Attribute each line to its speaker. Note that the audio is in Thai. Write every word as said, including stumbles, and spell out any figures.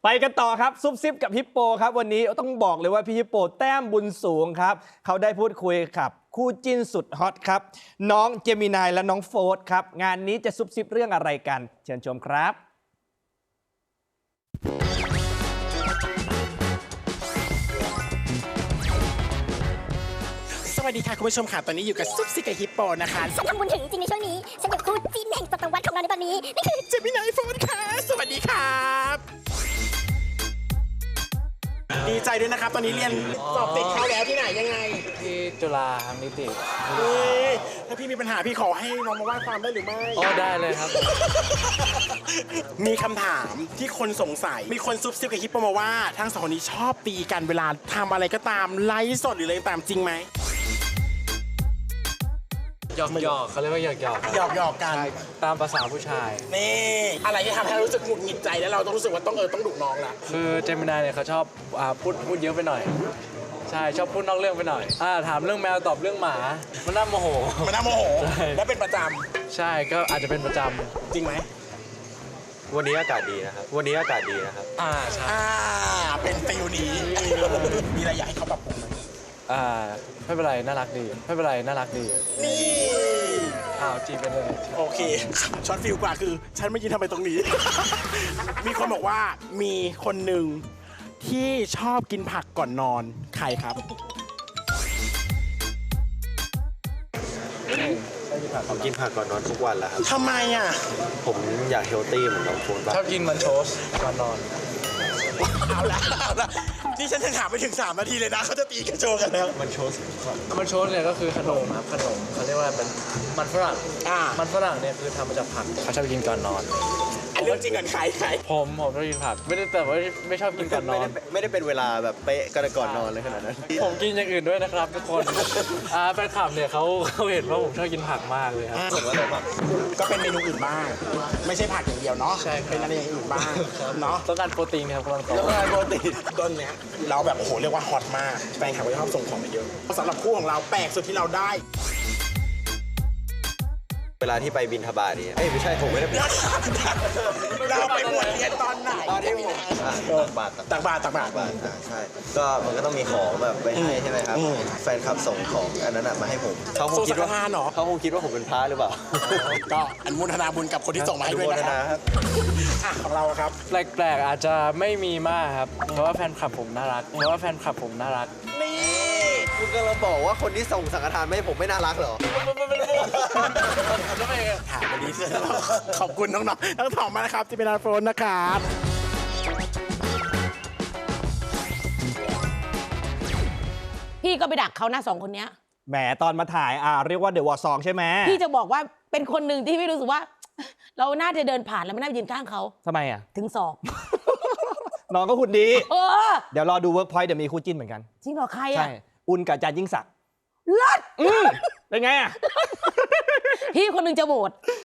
Speaker 1: ไปกันต่อครับซุปซิปกับฮิปโปครับวันนี้ต้องบอกเลยว่าพี่ฮิปโปแต้มบุญสูงครับเขาได้พูดคุยกับคู่จิ้นสุดฮอตครับน้องเจมินายและน้องโฟร์ธครับงานนี้จะซุปซิปเรื่องอะไรกันเชิญชมครับ
Speaker 2: สวัสดีค่ะคุณผู้ชมค่ะตอนนี้อยู่กับซุปซิกับฮิปโปนะคะ
Speaker 3: ฉันทำบุญถึงจริงในช่วงนี้ฉันอยู่คู่จิ้นแห่งจักรวรรดิของเราในตอนนี้นี่คือ
Speaker 2: เจมินายโฟนค่ะสวัสดีครับดีใจด้วยนะครับตอนนี้เรียนสอบติดเข้าแล้วที่ไหนยังไง
Speaker 4: ที่จุฬาครับนิติ
Speaker 2: เฮ้ยถ้าพี่มีปัญหาพี่ขอให้น้องมาว่าความได้หรือไม่
Speaker 4: อ๋อได้เลยครับ
Speaker 2: มีคำถามที่คนสงสัยมีคนซุบซิบกับฮิปโปมาว่าทั้งสองคนนี้ชอบตีกันเวลาทำอะไรก็ตามไลฟ์สดหรืออะไรตามจริงไหม
Speaker 4: หยอกหยอกเขาเรียกว่าหยอกหยอก
Speaker 2: หยอกหยอกกัน
Speaker 4: ตามภาษาผู้ชาย
Speaker 2: นี่อะไรที่ทำให้เรารู้สึกหงุดหงิดใจแล้วเราต้องรู้สึกว่าต้องเออต้องดุน้องละ
Speaker 4: คือเจมินายเนี่ยเขาชอบอ่าพูดพูดเยอะไปหน่อยใช่ชอบพูดนอกเรื่องไปหน่อยอ่าถามเรื่องแมวตอบเรื่องหมามันน่าโมโห
Speaker 2: มันน่าโมโหและเป็นประจำ
Speaker 4: ใช่ก็อาจจะเป็นประจำ
Speaker 2: จริงไหม
Speaker 5: วันนี้อากาศดีนะครับวันนี้อากาศดีนะครับ
Speaker 4: อ่าใช่
Speaker 2: อ่าเป็นฟิลนี้มีอะไรอยากให้เขาปรับปรุงไหม
Speaker 4: อ่าไม่เป็นไรน่ารักดีไม่เป็นไรน่ารักดี
Speaker 2: นี่
Speaker 4: อ้าวจีบไปเลย
Speaker 2: โอเคช็อตฟิลกว่าคือฉันไม่ยินทำไมตรงนี้ มีคนบอกว่ามีคนหนึ่งที่ชอบกินผักก่อนนอนใครครับ
Speaker 5: ผมกินผักก่อนนอนทุกวันแล้วครับ
Speaker 2: ทำไมอ่ะ
Speaker 5: ผมอยากเฮลตี้เหมือนน้องโฟนบ้าง
Speaker 4: ชอบกินมันโชสก่อนนอน
Speaker 2: เอาละเอาละนี่ฉันจะถามไปถึงสามนาทีเลยนะเขาจะตีกระโจนกันแล้ว
Speaker 5: มันโชส
Speaker 4: มันโชสเนี่ยก็คือขนมครับขนมเขาเรียกว่าเป็นมันฝรั่ง
Speaker 2: อ่า
Speaker 4: มันฝรั่งเนี่ยคือทำมาจากผักเขาชอบกินก่อนนอน
Speaker 2: อันเรื่องจริงกันใครใคร
Speaker 4: ผมผมชอบกินผักไม่ได้แต่ว่าไม่ชอบกินก่อนนอน
Speaker 5: ไม่ได้เป็นเวลาแบบเป๊ะกันก่อนนอนเลยขนาดนั้น
Speaker 4: ผมกินอย่างอื่นด้วยนะครับทุกคนอ่าแฟนคลับเนี่ยเขาเขาเห็นว่าผมชอบกินผักมากเลยครับ
Speaker 5: ผมว่าอะไรบ้าง
Speaker 2: ก็เป็นเมนูอื่นบ้างไม่ใช่ผักอย่างเดียวเนาะ
Speaker 4: ใช่
Speaker 2: เป็นอะไรอย่างอื่นบ้างเนาะ
Speaker 4: ต้องการโปรตีนครับกำลัง
Speaker 2: ต้องการโปรตีนต้นเนี้ยเราแบบโอ้โหเรียกว่าฮอตมากแฟนคลับก็ชอบส่งของมาเยอะสำหรับคู่ของเราแปลกสุดที่เราได้
Speaker 5: เวลาที่ไปบินทบาทนี่เอ้ยไม่ใช่ผมไม่ได้ไป
Speaker 2: เราไปบวชเรียนตอนไหน
Speaker 5: ตอนที่ผมตักบาตร
Speaker 2: ตักบาตรตักบาตร
Speaker 5: ใช่ก็มันก็ต้องมีของแบบไปให้ใช่ไหมครับแฟนคลับส่งของอันนั้นมาให้ผม
Speaker 2: เขาคงคิดว่า
Speaker 5: เขาคงคิดว่าผมเป็นพระหรือเปล่า
Speaker 2: ก็อนุโมทนาบุญกับคนที่ส่งมาให้ด้วยนะครับของเราครับ
Speaker 4: แปลกๆอาจจะไม่มีมากครับเพราะว่าแฟนคลับผมน่ารักเพราะว่าแฟนคลับผมน่ารัก
Speaker 2: นี่
Speaker 5: คุณกำลังบอกว่าคนที่ส่งสังฆทานไม่ให้ผมไม่น่ารักเหรอ
Speaker 2: ถามวันนี้ขอบคุณน้องๆทั้งสองมานะครับที่เป็นอาร์โฟนนะครับ
Speaker 6: พี่ก็ไปดักเขาหน้าสองคนนี้
Speaker 1: แหมตอนมาถ่ายอ่าเรียกว่าเดอะวอร์ซองใช่ไหม
Speaker 6: พี่จะบอกว่าเป็นคนหนึ่งที่พี่รู้สึกว่าเราน่าจะเดินผ่านแล้วไม่น่ายืนข้างเขา
Speaker 1: ทำไมอ่ะ
Speaker 6: ถึงสอบ
Speaker 1: น้องก็หุ่นดี
Speaker 6: เออ
Speaker 1: เดี๋ยวรอดูเวิร์กพอยต์เดี๋ยวมีคู่จิ้นเหมือนกัน
Speaker 6: จริงเหรอใครอ่ะใช่
Speaker 1: อุ่นกับจานยิ่งศักดิ์
Speaker 6: เลิศ
Speaker 1: เป็นไงอ่ะ
Speaker 6: พี่คนหนึ่งจะโหวต